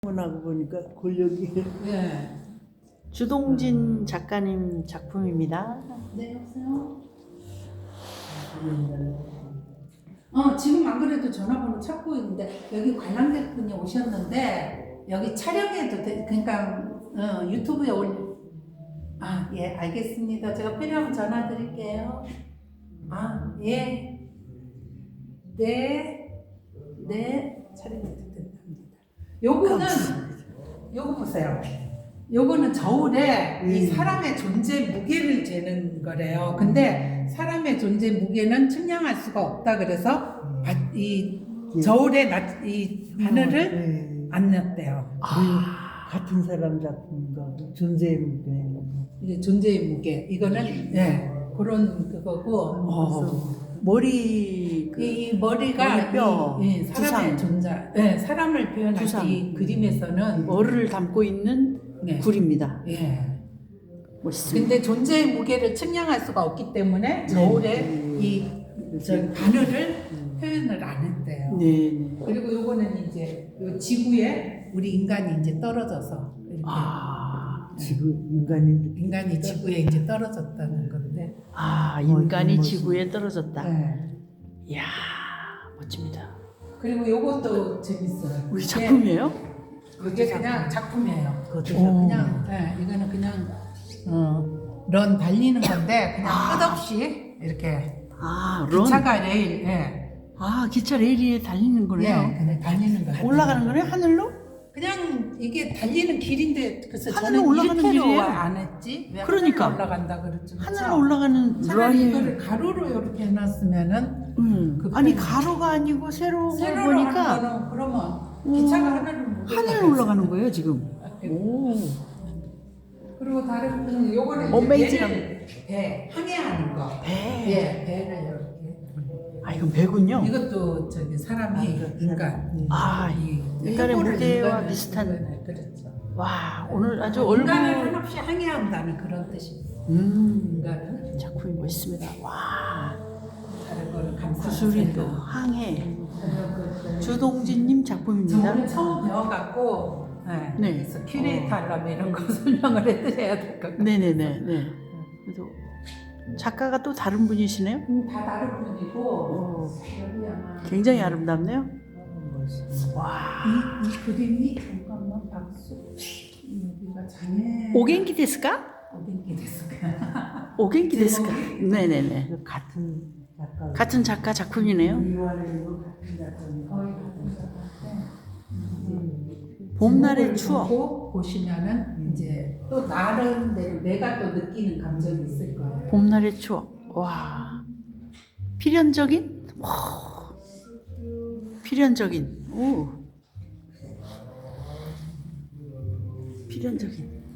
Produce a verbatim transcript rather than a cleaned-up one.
하고 보니까 권력이. 예. 주동진 작가님 작품입니다. 네, 여보세요? 어, 지금 안 그래도 전화번호 찾고 있는데, 여기 관람객분이 오셨는데, 여기 촬영해도 돼. 그러니까, 어, 유튜브에 올, 아, 예, 알겠습니다. 제가 필요하면 전화 드릴게요. 아, 예. 네. 네. 촬영해도 된답니다. 요거는, 요거 보세요. 요거는 저울에 이 사람의 존재 무게를 재는 거래요. 근데 사람의 존재 무게는 측량할 수가 없다. 그래서 바, 이 저울에 나, 이 바늘을 네. 안 넣었대요. 아. 같은 사람 작품인가 존재의 무게. 이게 존재의 무게. 이거는 예 그런 그거고. 어, 머리 그 이, 이 머리가 뼈, 이, 예, 사람의 두상. 존재, 예, 사람을 표현할 두상. 때 이 그림에서는 머리를 담고 있는 네. 굴입니다. 예. 멋있습니다. 근데 존재의 무게를 측량할 수가 없기 때문에 저울에 이 저 바늘을 표현을 안 했대요. 네. 네. 그리고 요거는 이제 요 지구에 우리 인간이 이제 떨어져서 이렇게 아, 지구 인간이 인간이 지구에 이제 떨어졌다는 건데. 아 인간이 멋있- 지구에 떨어졌다. 네. 이야, 멋집니다. 그리고 요것도 재밌어요. 우리 이게- 작품이에요? 이게 그냥 작품이에요. 그것도 오. 그냥 네, 이거는 그냥 어, 런 달리는 건데 그냥 끝없이 이렇게 아, 런. 기차가 레일, 예, 아, 기차 레일에 달리는 거네요. 예, 그냥 달리는 거. 올라가는 거네, 하늘로? 그냥 이게 달리는 길인데 글쎄 하늘로 저는 올라가는 이렇게로 길이에요. 안 했지. 왜 그러니까. 하늘로 올라간다 그랬죠. 하늘로 올라가는 차라리 런이. 이거를 가로로 이렇게 해놨으면은 음. 그 아니 편이- 가로가 아니고 세로로 세로로 보니까 하는 거는 그러면 기차가 하늘을 못 하늘로 올라가는 거예요 지금. 오. 그리고 다른 거는 요거는 어메이징한- 배를 배 항해하는 거. 배. 예, 배를 이렇게. 아 이건 배군요. 이것도 저기 사람이 그러니까 아, 이 인간의 해골을 무게와 인간을- 비슷한. 인간을, 그렇죠. 와 오늘 아주 얼굴. 인간을 한없이 항해한다는 그런 뜻입니다. 음. 인간은 작품이 멋있습니다. 와 다른 거를 감싸. 구슬이도 항해. 주동진님 작품입니다. 저는 처음 배워갖고 네. 네. 그래서 큐레이터 하려면 이런 거 설명을 해드려야 될 것 같아요. 네네네. 네. 그래도 작가가 또 다른 분이시네요. 음, 다 다른 분이고 오, 여기 아마 굉장히 아름답네요. 와. 이, 이 그림이 잠깐만 박수 여기가 장애 오겐키 데스까? 오겐키 데스까? 오겐키 데스까? 제목이? 네네네. 같은 작가. 같은 작가 작품이네요. 이완이고 같은 작가님. 거의 같은 작가인데 봄날의 제목을 추억. 보고 보시면은 이제 또 나름대로 내가 또 느끼는 감정이 있을 거예요. 봄날의 추억. 와. 필연적인? 와. 필연적인. 오. 필연적인.